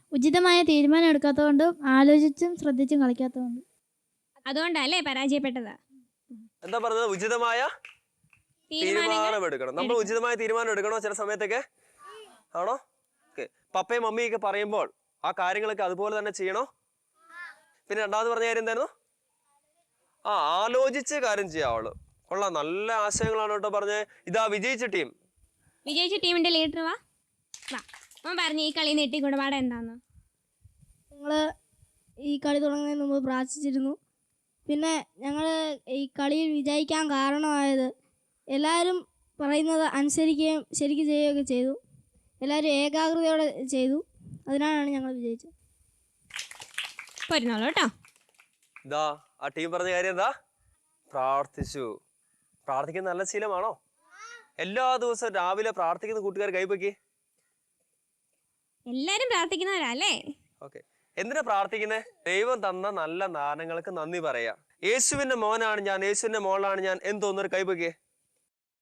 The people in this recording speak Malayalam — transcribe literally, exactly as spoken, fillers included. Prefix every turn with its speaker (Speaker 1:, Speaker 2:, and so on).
Speaker 1: ഉചിതമായ തീരുമാനം എടുക്കാത്തതുകൊണ്ടും ആലോചിച്ചും ശ്രദ്ധിച്ചും കളിക്കാത്തതുകൊണ്ടും.
Speaker 2: അതുകൊണ്ടല്ലേ പരാജയപ്പെട്ടത്.
Speaker 3: എന്താ പറഞ്ഞത്? ഉചിതമായ തീരുമാനം എടുക്കണം. നമ്മൾ ഉചിതമായ തീരുമാനം എടുക്കണോ ചില സമയത്തൊക്കെ? ആണോ? ഓക്കെ. പപ്പയും മമ്മിയൊക്കെ പറയുമ്പോൾ ആ കാര്യങ്ങളൊക്കെ അതുപോലെ തന്നെ ചെയ്യണോ? പിന്നെ രണ്ടാമത് പറഞ്ഞ കാര്യം എന്തായിരുന്നു? ആ ആലോചിച്ച് കാര്യം ചെയ്യാവുള്ളൂ. കൊള്ളാം, നല്ല ആശയങ്ങളാണ് കേട്ടോ പറഞ്ഞത്. ഇതാ വിജയിച്ച ടീം.
Speaker 2: വിജയിച്ച ടീമിന്റെ ലീഡർ വാ വാ അവൻ പറഞ്ഞു ഈ കളി നെട്ടി കുടപാട് എന്താന്ന്.
Speaker 1: ഞങ്ങൾ ഈ കളി തുടങ്ങുന്നതിന് മുമ്പ് പ്രാർത്ഥിച്ചിരുന്നു. പിന്നെ ഞങ്ങൾ ഈ കളിയിൽ വിജയിക്കാൻ കാരണമായത് എല്ലാവരും പറയുന്നത് അനുസരിക്കുകയും ശരിക്കും ചെയ്യുകയൊക്കെ ചെയ്തു. എല്ലാവരും ഏകാഗ്രതയോടെ ചെയ്തു. അതിനാണ് ഞങ്ങൾ വിജയിച്ചത്.
Speaker 2: പോരുന്നോളൂ കേട്ടോ.
Speaker 3: ഇതാ ആ ടീം പറഞ്ഞ കാര്യം എന്താ? പ്രാർത്ഥിച്ചു. പ്രാർത്ഥിക്കുന്ന നല്ല ശീലമാണോ? എല്ലാ ദിവസവും രാവിലെ പ്രാർത്ഥിക്കുന്ന കൂട്ടുകാർ കൈപ്പൊക്കി.
Speaker 2: എല്ലാരും പ്രാർത്ഥിക്കുന്നവരല്ലേ?
Speaker 3: ഓക്കെ. എന്തിനാ പ്രാർത്ഥിക്കുന്നത്? ദൈവം തന്ന നല്ല ദാനങ്ങൾക്ക് നന്ദി പറയാ. യേശുവിന്റെ മോനാണ് ഞാൻ, യേശുവിന്റെ മോളാണ് ഞാൻ എന്ന് തോന്നുന്നൊരു കൈപ്പൊക്കിയേ.